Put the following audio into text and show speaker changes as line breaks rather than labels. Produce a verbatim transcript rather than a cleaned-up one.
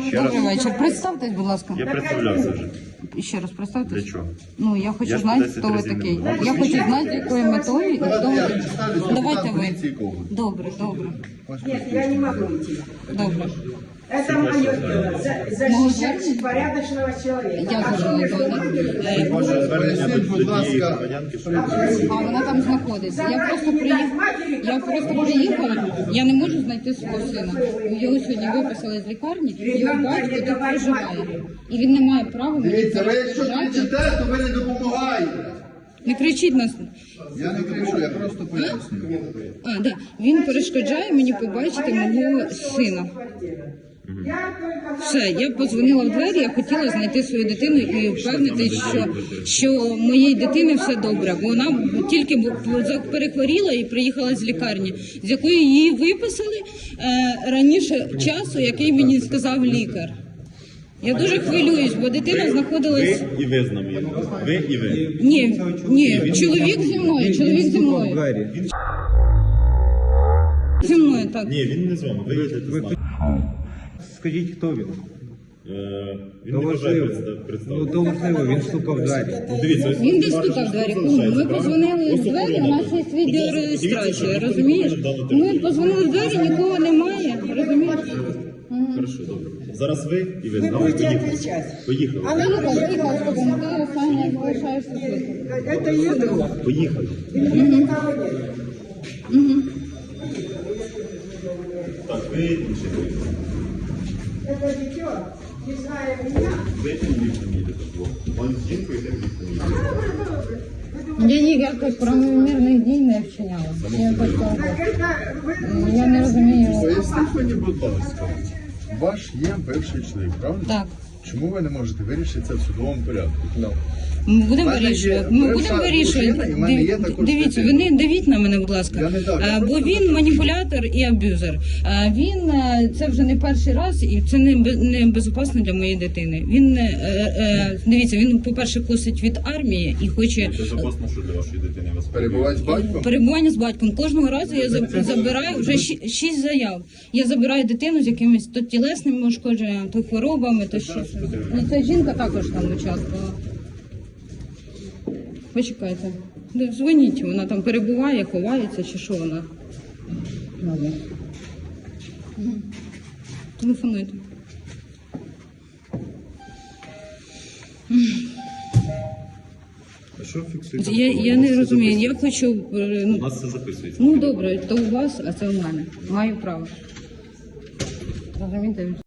Ще
Добрий
раз.
вечір. Представтесь, будь ласка.
Я представлявся вже.
Ще раз представтесь.
Для чого?
Ну, я хочу
Я
знати,
десять
хто ви
разів не
такий.
був.
Я хочу знати, з якою метою і хто ви такий. Давайте ви.
Полиции Коваль.
Добре, добре.
Нет, я не могу идти.
Добре.
Это мое дело. За- Защищать порядочного человека.
Я
А что вы
зрозуміла.
говорите?
Ваше звернення до
Поясніть, будь
тієї
ласка.
громадянки, що
А вона там знаходиться. Я просто приїхала. Я просто приїхала. Я не можу знайти свого сина. Його сьогодні виписали з лікарні. Його батько тут проживає. І він не має права мені
Дивіться, ви якщо
перешкоджати.
кричите, то ви не допомагаєте.
Не кричіть нас.
Я не кричу, я просто пояснюю.
А, да. Він перешкоджає мені побачити мого сина.
Я только
Все, я подзвонила в двері, я хотіла знайти свою дитину і впевнити, що, що моїй дитини все добре, бо вона тільки бу- перехворіла і приїхала з лікарні, з якої її виписали е, раніше часу, який мені сказав лікар. Я дуже хвилююсь, бо дитина знаходилась.
ви і ви з нами. Ви і ви.
Ні, ні, чоловік зі мною, чоловік зі мною. Зі мною, так.
Ні, він не з вами. Ви їдете з нами.
Скажіть, хто він?
Е, Він
То
не бажає
важливо.
представ-
Ну,
представити.
то важливо, він стукав в двері.
Ну, дивіться, ось
Він десь
ваше
стукав в двері.
що залишається,
Ми
правильно?
позвонили в
Ось
двері, у
охорона.
нас є
Будь ласка, дивіться,
відеореєстрація,
щоб ніхто не
розумієш?
заходив в дану
Ми
територію.
позвонили в двері, нікого немає, розумієш?
Хорошо, добре. Зараз ви і ви з
вы
нами
будете
поїхали.
отвечать.
Поїхали.
А на
Поїхала, поїхала з тобою, ти останнє залишаєшся тут.
Это ее друг.
Поїхали.
Никого нет.
Так, ви інші.
Это дитё, не зная меня.
Ви тим ліфтом їдете вдвох. Вон з жінкою тим ліфтом їдете.
Я ніяких правомірних дій не вчиняла. Я просто
Так это вы
я не розумію.
Поясніть мені, будь ласка, ваш є бивший чоловік, правда?
Так.
Чому ви не можете вирішити це в судовому порядку?
Ми будемо
мене є
вирішувати. Ми
бивша
будемо вирішувати.
дружина, і в мене є
Див-
також
Дивіться, ви
дитина.
не давіть на мене, будь ласка.
Я не дам, я
Е, Бо
просто
він маніпулятор і аб'юзер. Е, Він е, це вже не перший раз, і це не бе- не безпечно для моєї дитини. Він е, е, дивіться, він, по-перше, косить від армії і хоче
Безопасно, що для вашої дитини вас
Перебувати з батьком?
перебування з батьком. Кожного разу я за- забираю вже ші- шість заяв. Я забираю дитину з якимись то тілесними ушкодженнями, то хворобами, то що. І ця жінка також там участвувала. Почекайте. Ну, дзвоніть, вона там перебуває, ховається чи що вона. Ладно. Мгм. Телефонуйте.
А що фіксується?
Я, я не розумію, я хочу. е,
У
Ну,
нас це записується.
ну добре, то у вас, а це у мене. Маю право. Розумієте?